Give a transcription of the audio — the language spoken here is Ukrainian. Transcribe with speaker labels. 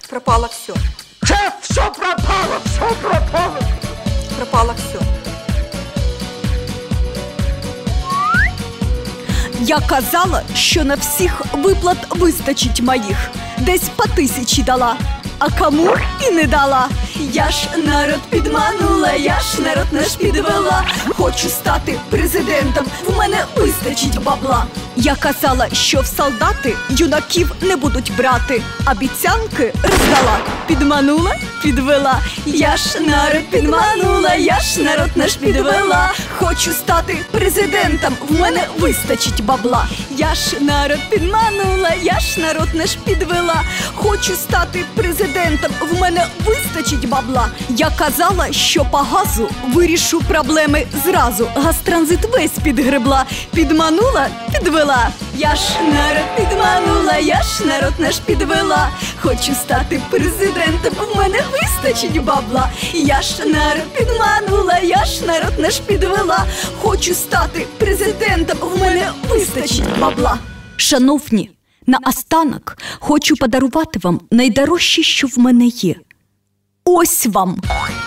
Speaker 1: Пропало все.
Speaker 2: Шеф, все пропало, все пропало.
Speaker 1: Пропало все.
Speaker 3: Я казала, що на всіх виплат вистачить моїх. Десь по 1000 дала, а кому і не дала. Я ж народ підманула, я ж народ наш підвела. Хочу стати президентом, в мене вистачить бабла. Я казала, що в солдати юнаків не будуть брати. Обіцянки роздала, підманула, підвела. Я ж народ підманула, я ж народ наш підвела. Хочу стати президентом, в мене вистачить бабла. Я ж народ підманула, я ж народ наш підвела. Хочу стати президентом, в мене вистачить бабла. Я казала, що по газу вирішу проблеми зразу. Газтранзит весь підгребла, підманула, підвела. Я ж народ підманула, я ж народ наш підвела. Хочу стати президентом, в мене вистачить бабла. Я ж народ підманула, я ж народ наш підвела. Хочу стати президентом, в мене вистачить бабла. Шановні, наостанок хочу подарувати вам найдорожче, що в мене є. Ось вам!